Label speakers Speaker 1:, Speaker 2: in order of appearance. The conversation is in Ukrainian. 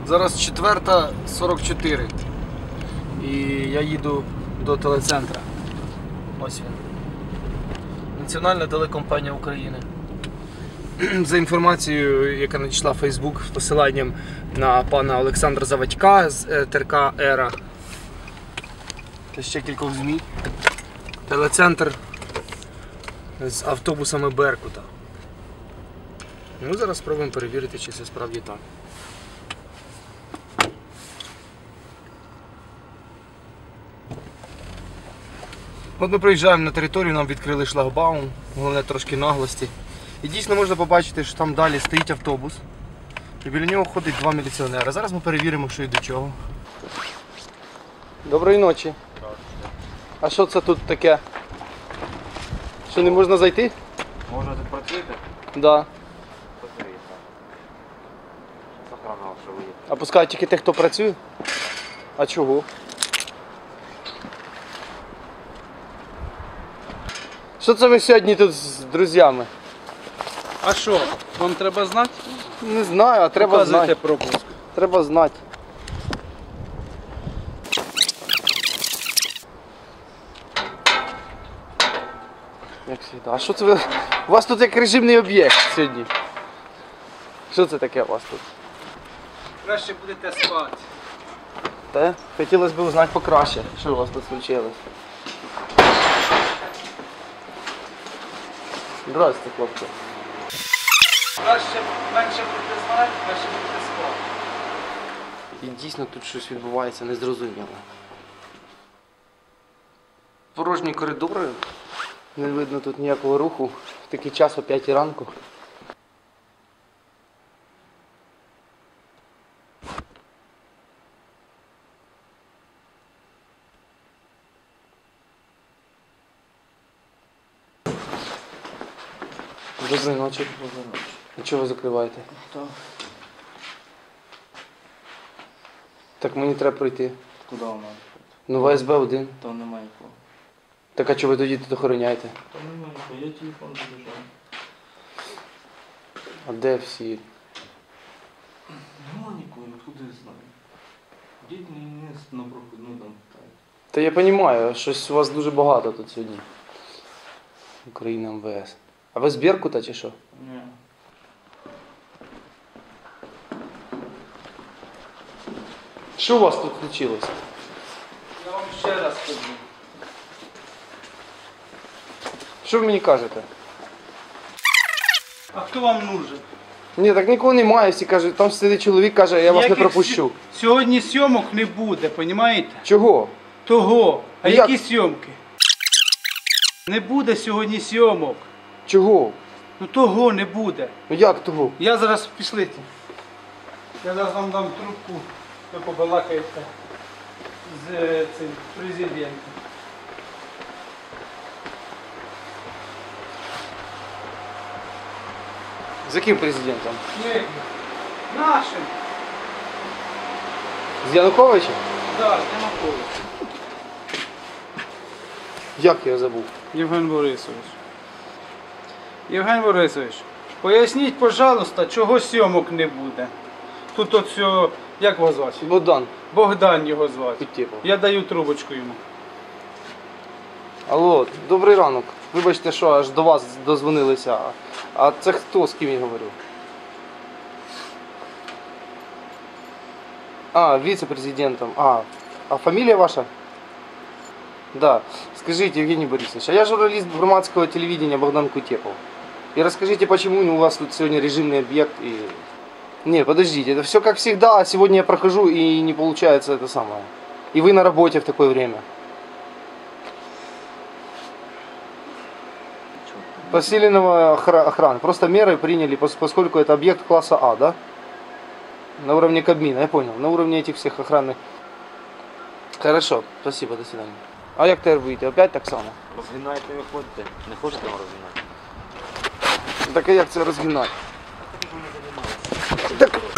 Speaker 1: Зараз 4:44 і я їду до телецентра. Ось він. Національна телекомпанія України. За інформацією, яка надійшла в Facebook з посиланням на пана Олександра Завадька з ТРК «Ера» та ще кількох ЗМІ, телецентр з автобусами Беркута. Ми зараз спробуємо перевірити, чи це справді так. От ми приїжджаємо на територію, нам відкрили шлагбаум, головне трошки наглості. І дійсно можна побачити, що там далі стоїть автобус. І біля нього ходить два міліціонери. Зараз ми перевіримо, що і до чого. Доброї ночі. А що це тут таке? Що, не можна зайти?
Speaker 2: Можна тут працюєте?
Speaker 1: Так. Да.
Speaker 2: Охрана, що ви є.
Speaker 1: А пускають тільки тих, хто працює? А чого? Що це ви сьогодні тут з друзями?
Speaker 3: А що, вам треба знати?
Speaker 1: Не знаю, а треба
Speaker 3: Показуйте
Speaker 1: знати.
Speaker 3: пропуск.
Speaker 1: Треба знати. Як завжди. А що це ви? У вас тут як режимний об'єкт сьогодні. Що це таке у вас тут?
Speaker 3: Краще будете спати.
Speaker 1: Та? Хотілося б узнати покраще, що у вас тут случилось. Здравствуйте, хлопці.
Speaker 3: Краще менше будете знати, краще будете спати.
Speaker 1: І дійсно тут щось відбувається незрозуміло. Порожні коридори, не видно тут ніякого руху. В такий час о 5 ранку. Доброї ночі. А чого ви закриваєте? Так мені треба пройти.
Speaker 2: Куди вона?
Speaker 1: Ну ВСБ 1.
Speaker 2: Там немає нікого.
Speaker 1: Так а чого ви тоді тут охороняєте?
Speaker 2: Там немає нікого, я телефон залишав.
Speaker 1: А де всі?
Speaker 2: Нема нікого, откуда я знаю. Діть не на проходну там питають.
Speaker 1: Та я розумію, щось у вас дуже багато тут сьогодні. Україна МВС. А ви з Беркута чи що?
Speaker 2: Ні.
Speaker 1: Що у вас тут случилось?
Speaker 3: Я вам ще раз кажу.
Speaker 1: Що ви мені кажете?
Speaker 3: А хто вам нужен?
Speaker 1: Ні, так нікого немає, всі кажуть, там сидить чоловік, каже, я вас не
Speaker 3: Ніяких
Speaker 1: пропущу.
Speaker 3: Сьогодні зйомок не буде, понімаєте?
Speaker 1: Чого?
Speaker 3: Того. А
Speaker 1: Як?
Speaker 3: які зйомки? Не буде сьогодні зйомок.
Speaker 1: Чого?
Speaker 3: Ну того не буде.
Speaker 1: Ну як того?
Speaker 3: Я зараз пішлите. Я зараз вам дам трубку, ви побалакаєте з цим президентом.
Speaker 1: З яким президентом?
Speaker 3: Ні, нашим.
Speaker 1: З Януковичем?
Speaker 3: Да, Янукович.
Speaker 1: Як я забув?
Speaker 3: Євген Борисович. Євген Борисович, поясніть, пожалуйста, чого зйомок не буде. Тут от все, як вас звати?
Speaker 1: Богдан.
Speaker 3: Богдан його звати.
Speaker 1: Кутєпов.
Speaker 3: Я даю трубочку йому.
Speaker 1: Алло, добрий ранок. Вибачте, що аж до вас дозвонилися. А це хто, з ким я говорю? А, вице-президентом. А фамилия ваша? Да. Скажите, Евгений Борисович, а я журналист громадского телевидения Богдан Кутепов. И расскажите, почему у вас тут сегодня режимный объект и... Не, подождите, это все как всегда, а сегодня я прохожу и не получается это самое. И вы на работе в такое время. Посиленного охраны. Просто меры приняли, поскольку это объект класса А, да? На уровне Кабмина, я понял. На уровне этих всех охранных. Хорошо, спасибо, до свидания. А як тепер вийти? Опять так само?
Speaker 2: Розгинаєте, ви ходите. Не хочете вам розгинати?
Speaker 1: Так а як це розгинати? Так